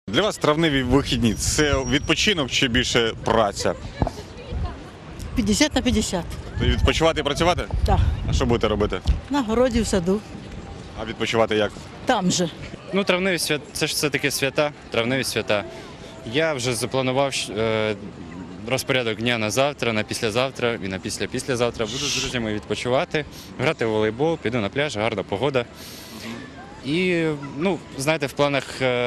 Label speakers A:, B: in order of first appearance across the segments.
A: Для вас травневі вихідні – це відпочинок чи більше праця?
B: 50 на 50.
A: Відпочивати і працювати?
B: Так.
A: А що будете робити?
B: На городі, в саду.
A: А відпочивати як?
B: Там же.
C: Ну, травневі свята, це ж все-таки свята, травневі свята. Я вже запланував розпорядок дня на завтра, на післязавтра і на післязавтра. Буду з друзями відпочивати, грати в волейбол, піду на пляж, гарна погода. І, ну, знаєте, в планах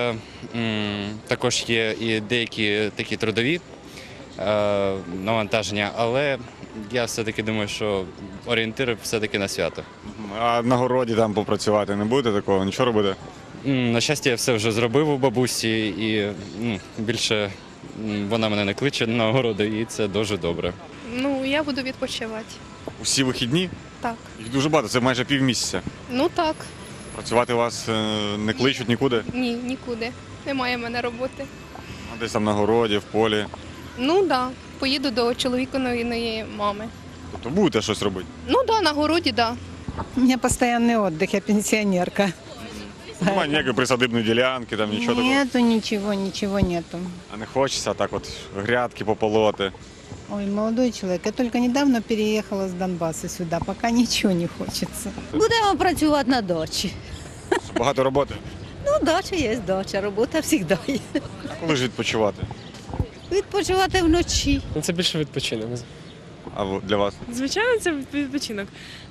C: також є і деякі такі трудові навантаження, але я все-таки думаю, що орієнтир все-таки на свято.
A: А на городі там попрацювати не будете такого? Нічого робити?
C: На щастя, я все вже зробив у бабусі і більше вона мене не кличе на огороди, і це дуже добре.
D: Ну, я буду відпочивати.
A: Усі вихідні?
D: Так.
A: Їх дуже багато, це майже півмісяця.
D: Ну так.
A: Працювати вас не кличуть нікуди?
D: Ні, нікуди. Немає в мене роботи.
A: А десь там на городі, в полі.
D: Ну так. Да. Поїду до чоловікової мами.
A: Тобто будете щось робити?
D: Ну так, да, на городі, так. Да.
E: У меня постоянный отдых, я пенсионерка.
A: Немає ніякої присадибної ділянки, там нічого такого?
E: Нету ничего нету.
A: А не хочеться так от грядки пополоти?
E: Ой, молодой человек, я только недавно переехала с Донбасса сюда, пока ничего не хочется.
B: Будемо працювати на дачі.
A: Багато роботи?
B: Ну, дача є дача, робота завжди є.
A: А коли ж відпочивати?
B: Відпочивати вночі.
F: Ну, це більше відпочинок.
A: А для вас?
G: Звичайно, це відпочинок.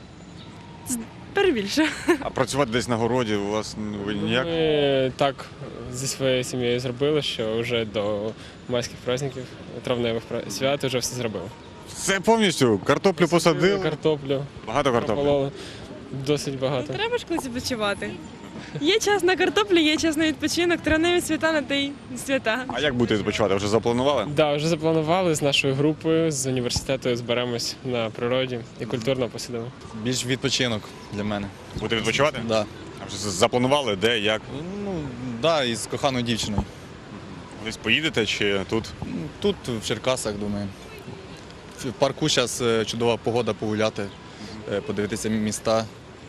G: Перебільше.
A: А працювати десь на городі у вас ви ніяк?
F: Ми так зі своєю сім'єю зробили, що вже до майських праздників, травневих свят вже все зробили.
A: Це повністю? Картоплю посадили?
F: Картоплю,
A: Багато картоплі?
F: пропололи. Досить багато.
G: Треба ж колись відпочивати. Є час на картоплю, є час на відпочинок, травневі свята на те й свята.
A: А як будете відпочивати? Вже запланували?
F: Да, вже запланували з нашою групою, з університету зберемось на природі і культурно посидимо.
H: Більш відпочинок для мене.
A: Будете відпочивати?
H: Да.
A: А вже запланували, де, як?
H: Ну, да, і з коханою дівчиною.
A: Десь поїдете чи тут?
H: Тут, в Черкасах, думаю. В парку зараз чудова погода погуляти, подивитися міста.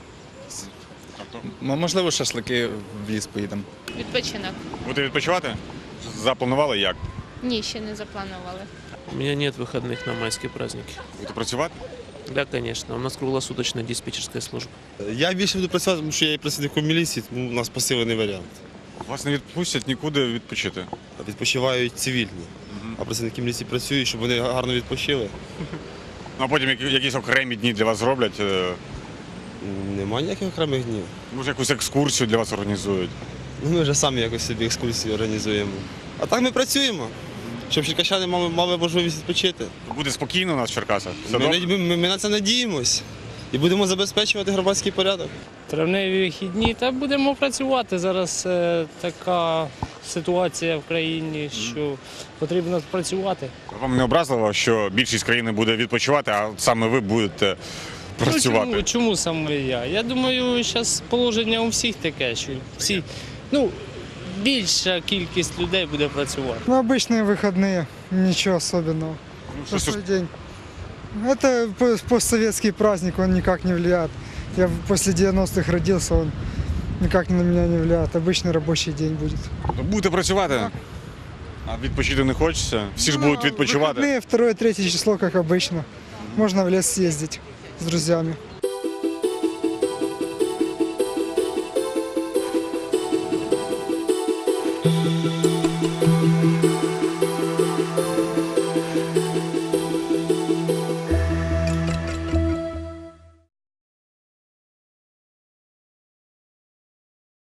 H: Можливо, шашлики в ліс поїдемо.
I: Відпочинок.
A: Будете відпочивати? Запланували як?
I: Ні, ще не запланували.
J: У меня нет выходных на майские праздники.
A: Будете працювати?
J: Да, конечно. У нас круглосуточная диспетчерская служба.
K: Я більше буду працювати, тому що я є працівником міліції, тому у нас посилений варіант.
A: Вас не відпустять нікуди відпочити?
K: Відпочивають цивільні, а працівники міліції працюють, щоб вони гарно відпочили.
A: Ну а потім якісь окремі дні для вас зроблять?
K: Немає ніяких окремих днів.
A: Може якусь екскурсію для вас організують?
K: Ну, ми вже самі якось собі екскурсії організуємо. А так ми працюємо, щоб черкащани мали можливість відпочити.
A: Буде спокійно у нас в Черкасах? Все
K: Ми,
A: добре?
K: ми на це надіємось і будемо забезпечувати громадський порядок.
F: Травневі вихідні, та будемо працювати. Зараз така ситуація в країні, що потрібно працювати.
A: Вам не образливо, що більшість країни буде відпочивати, а от саме ви будете працювати?
F: Ну, чому саме я? Я думаю, зараз положення у всіх таке, що всі, більша кількість людей буде працювати.
L: Ну, обычные выходные, ничего особенного. Простой день. Это постсоветский праздник, он никак не влияет. Я после 90-х родился, он никак на меня не влияет. Обычный рабочий день будет.
A: Будете працювати? А відпочити не хочеться? Всі ж будуть відпочивати.
L: Выходные, 2-3 число, как обычно. Можно в лес съездить с друзьями.